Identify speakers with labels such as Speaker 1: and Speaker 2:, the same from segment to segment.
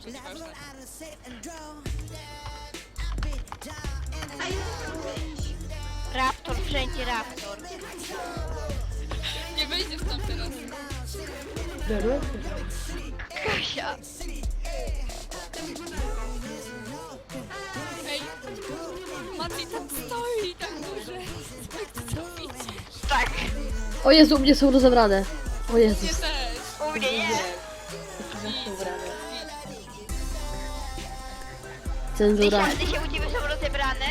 Speaker 1: Dobrze, nieważne.
Speaker 2: Raptor, wszędzie raptor.
Speaker 1: Nie wejdziesz tam teraz.
Speaker 2: Kasia.
Speaker 1: Ej, Mati tam stoi tak duże. Jak ty to widzisz?
Speaker 2: Tak.
Speaker 3: O Jezu, u mnie są rozebrane. O
Speaker 1: Nie
Speaker 3: Jezus.
Speaker 1: też.
Speaker 2: U mnie nie.
Speaker 3: Cenzura.
Speaker 2: Dysia, u ciebie są rozebrane?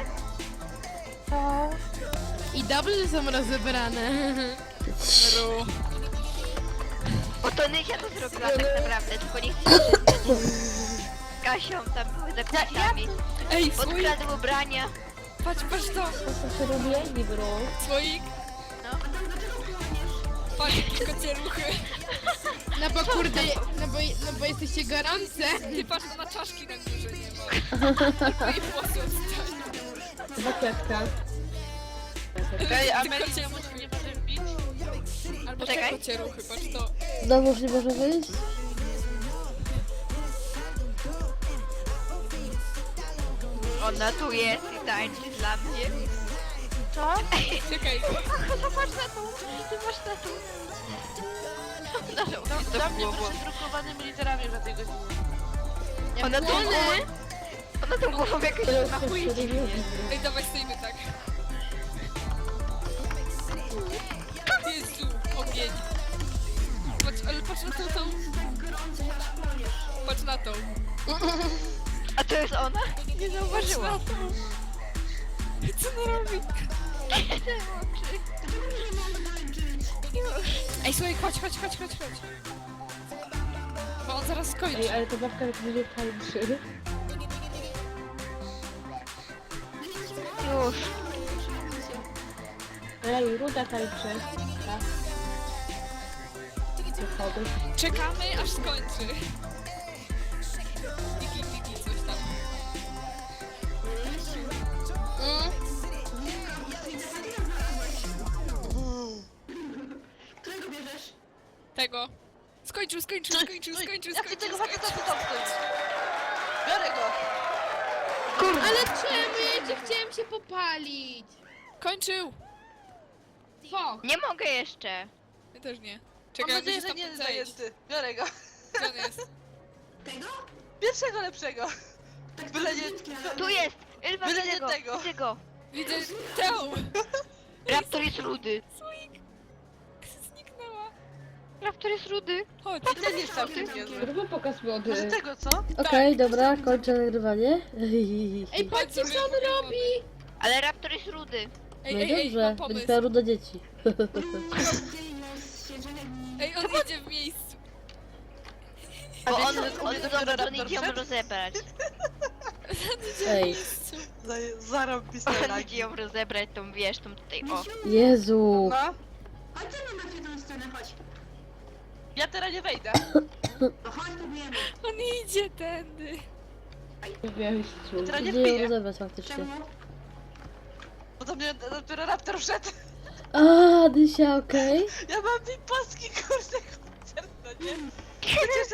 Speaker 4: I dobrze są rozebrane.
Speaker 1: Ru.
Speaker 2: Bo to Nysia to zrobiła tak naprawdę, tylko nie chcę się przyznać. Z Kasią tam były zapisami.
Speaker 1: Ej, słoik,
Speaker 2: Podkradł ubrania.
Speaker 1: patrz to. Słoik.
Speaker 2: No.
Speaker 1: Patrz, kocie ruchy.
Speaker 4: No bo kurde, no bo jesteście gorące.
Speaker 1: Ty patrz na czaszki na górze, nie ma. Albo jej włosy odstają.
Speaker 5: Ej, a
Speaker 1: Ty
Speaker 5: Meli,
Speaker 1: kocie-
Speaker 5: czemu tu nie może wbić?
Speaker 1: Albo te
Speaker 2: Czekaj.
Speaker 1: kocie ruchy, patrz to.
Speaker 3: Znowuż nie może wyjść?
Speaker 2: Ona tu jest i tańczy dla mnie. Co?
Speaker 1: Czekaj.
Speaker 2: Zobacz na tą, zobacz na tą. Ona robi to
Speaker 5: Do mnie
Speaker 2: głową.
Speaker 5: proszę drukowanymi literami za tej godzinie.
Speaker 2: Ona tą głową, ona tą głową jakoś machuje.
Speaker 1: Ej, dawaj, stoimy tak. Jezu, ogień. Patrz, ale patrz na tą. Patrz na tą.
Speaker 2: A to jest ona? Nie
Speaker 1: Patrz
Speaker 2: zauważyłam.
Speaker 1: na tą. Co ona robi? Ej, słuchaj, chodź. Bo on zaraz skończy.
Speaker 6: Ej, ale to babka jak będzie tańczy.
Speaker 2: Już.
Speaker 6: Ej, Ruda tańczy. Tak. Wychody.
Speaker 1: Czekamy, aż skończy. Tiki, coś tam. Tego. Skończył.
Speaker 5: Jak ty tego faceta tu tam stoisz? Biorę go!
Speaker 4: Ale czemu? Ja cię chciałem się popalić.
Speaker 1: Kończył.
Speaker 4: Fok.
Speaker 2: Nie mogę jeszcze.
Speaker 1: Ja też nie.
Speaker 5: Mam
Speaker 1: Czekaj,
Speaker 5: nadzieję,
Speaker 1: musisz
Speaker 5: że
Speaker 1: tam
Speaker 5: nie jest
Speaker 1: zejść.
Speaker 5: zajęty. Biorę go.
Speaker 1: Gdzie on jest?
Speaker 5: Pierwszego lepszego. Byle nie...
Speaker 2: Tu jest! Ylwa,
Speaker 5: Byle
Speaker 2: widzę
Speaker 5: nie
Speaker 2: go,
Speaker 5: tego.
Speaker 2: widzę go.
Speaker 1: Widzę tę.
Speaker 2: Raptor jest rudy.
Speaker 1: Słoik. Zniknęła.
Speaker 2: Raptor jest rudy.
Speaker 1: Chodź.
Speaker 5: I ten jest całkiem niezły.
Speaker 6: Zróbmy pokaz
Speaker 5: Może
Speaker 6: mody.
Speaker 5: tego, co?
Speaker 3: Okej, dobra, kończę nagrywanie.
Speaker 4: Ej, patrzcie co on robi.
Speaker 2: Ale Raptor jest rudy.
Speaker 3: No
Speaker 1: Ej,
Speaker 3: i dobrze,
Speaker 1: mam
Speaker 3: będziesz
Speaker 1: pomysł.
Speaker 3: miała ruda dzieci.
Speaker 1: Ej, on idzie w miejscu.
Speaker 2: Bo
Speaker 5: wiecie,
Speaker 2: on,
Speaker 5: że u
Speaker 2: on,
Speaker 5: mnie dopiero
Speaker 2: on
Speaker 5: Raptor
Speaker 2: idzie ją
Speaker 5: wszedł?
Speaker 2: rozebrać.
Speaker 3: Ej,
Speaker 5: Zarąbiste
Speaker 2: On idzie
Speaker 5: lagi.
Speaker 2: ją rozebrać, tą wiesz, tą tutaj, o.
Speaker 3: Jezu.
Speaker 5: No. Ja teraz nie wejdę.
Speaker 1: On idzie tędy.
Speaker 6: Wejściu.
Speaker 5: Teraz nie
Speaker 3: Idzie ją
Speaker 5: wbiję.
Speaker 3: rozebrać faktycznie.
Speaker 5: Bo do mnie dopiero Raptor wszedł.
Speaker 3: A, Dysia, okej.
Speaker 5: Ja mam pipaski, kurde, koncert, no nie? Przecież